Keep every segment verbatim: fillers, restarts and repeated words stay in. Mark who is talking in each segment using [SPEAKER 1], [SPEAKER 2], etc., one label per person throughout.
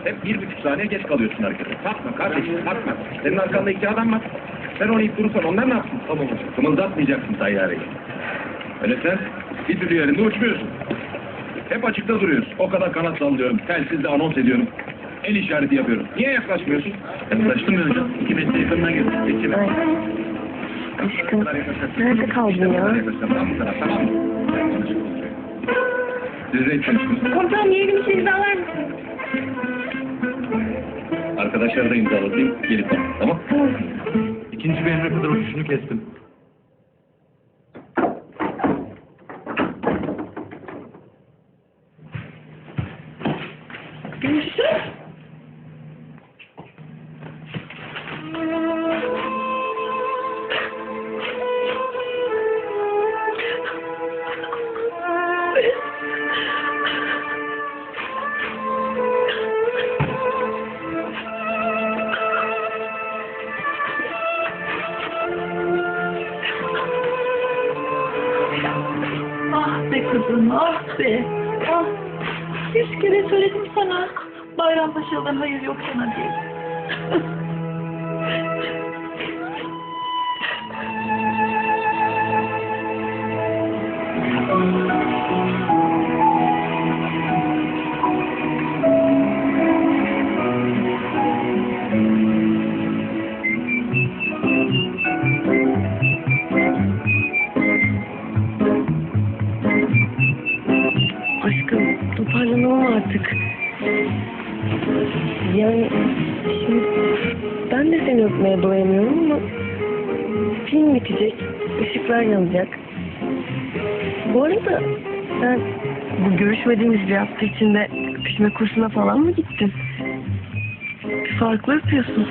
[SPEAKER 1] Hep bir buçuk saniye geç kalıyorsun harekete. Kalkma kardeşim, kalkma. Senin arkanda iki adam var. Sen onu ip durursan onlar ne yapsın? Tamam hocam. Kımıldatmayacaksın tayyareyi. Öyle sen bir türlü yerinde uçmuyorsun. Hep açıkta duruyorsun. O kadar kanat sallıyorum, telsizle anons ediyorum. El işareti yapıyorum. Niye yaklaşmıyorsun? Yaklaştım ya hocam. İki metre yakından girdim. Geçime.
[SPEAKER 2] Aşkım, nerede kaldın ya?
[SPEAKER 1] Tamam mı? Tamam mı? Siz de içmişsiniz.
[SPEAKER 2] Komutanım yeni bir şey imzalar mısın?
[SPEAKER 1] Arkadaşlar da imzalatayım. Gelip al. Tamam?
[SPEAKER 2] Tamam.
[SPEAKER 1] İkinci bir emre kadar uçuşunu kestim.
[SPEAKER 2] Görüşürüz.
[SPEAKER 3] Ah be kızım, ah be. Ah, yüz kere söyledim sana. Bayrampaşa'dan hayır yok sana diye.
[SPEAKER 2] Aşkım, toparlanalım artık. Yani şimdi ben de seni öpmeye doyamıyorum ama film bitecek, ışıklar yanacak. Bu arada sen bu görüşmediğimiz bir hafta içinde öpüşme kursuna falan mı gittin? Bir farklı öpüyorsun.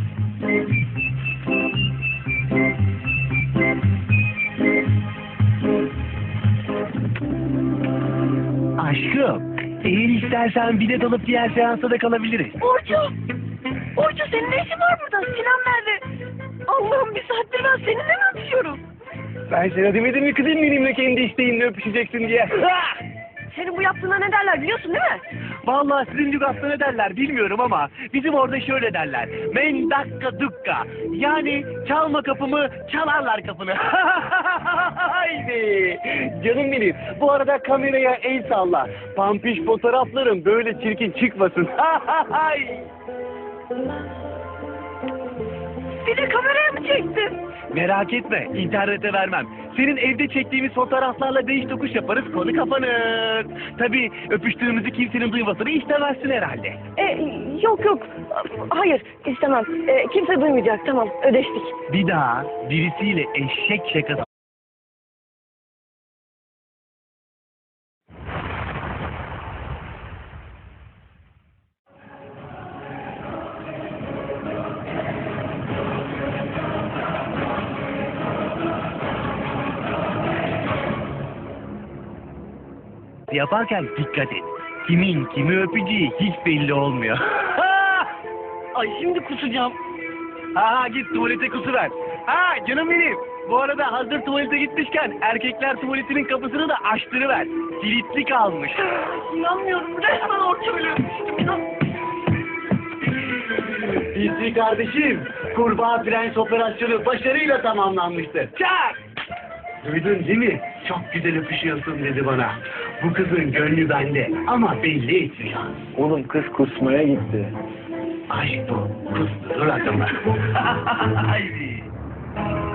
[SPEAKER 4] Aşkım, eğer istersen bilet alıp diğer seansa da kalabiliriz.
[SPEAKER 2] Orçu! Orçu senin ne işin var burada? Sinan nerede? Allah'ım bir saattir ben seninle mi öpüşüyorum?
[SPEAKER 4] Ben sana demedim mi kızım benimle kendi isteğinle öpüşeceksin diye.
[SPEAKER 2] Senin bu yaptığına ne derler biliyorsun değil mi?
[SPEAKER 4] Vallahi sizin lügatta ne derler bilmiyorum ama bizim orada şöyle derler. Men dakka dukka. Yani çalma kapımı, çalarlar kapını. Haydi. Canım benim. Bu arada kameraya el salla. Pampiş fotoğraflarım böyle çirkin çıkmasın.
[SPEAKER 2] Bir de kameraya mı çektin?
[SPEAKER 4] Merak etme, internete vermem. Senin evde çektiğimiz fotoğraflarla değiş tokuş yaparız, konu kapanır. Tabii öpüştüğümüzü kimsenin duymasını istemezsin herhalde.
[SPEAKER 2] E, yok yok. Hayır istemem. E, kimse duymayacak tamam ödeştik.
[SPEAKER 4] Bir daha birisiyle eşek şakası... yaparken dikkat et. Kimin kimi öpeceği hiç belli olmuyor.
[SPEAKER 2] Ay şimdi kusacağım.
[SPEAKER 4] Ha git tuvalete kusuver. Ha canım benim. Bu arada hazır tuvalete gitmişken erkekler tuvaletinin kapısını da açtırıver. Kilitli kalmış.
[SPEAKER 2] İnanmıyorum resmen Orçu'yla öpüştüm inan.
[SPEAKER 4] Bizi kardeşim. Kurbağa Prens operasyonu başarıyla tamamlanmıştır. Çak! Duydun değil mi? Çok güzel öpüşüyorsun dedi bana. Bu kızın gönlü bende ama belli etmiyor.
[SPEAKER 5] Oğlum kız kusmaya gitti.
[SPEAKER 4] Aşk bu. Kusturur adamı. Haydi.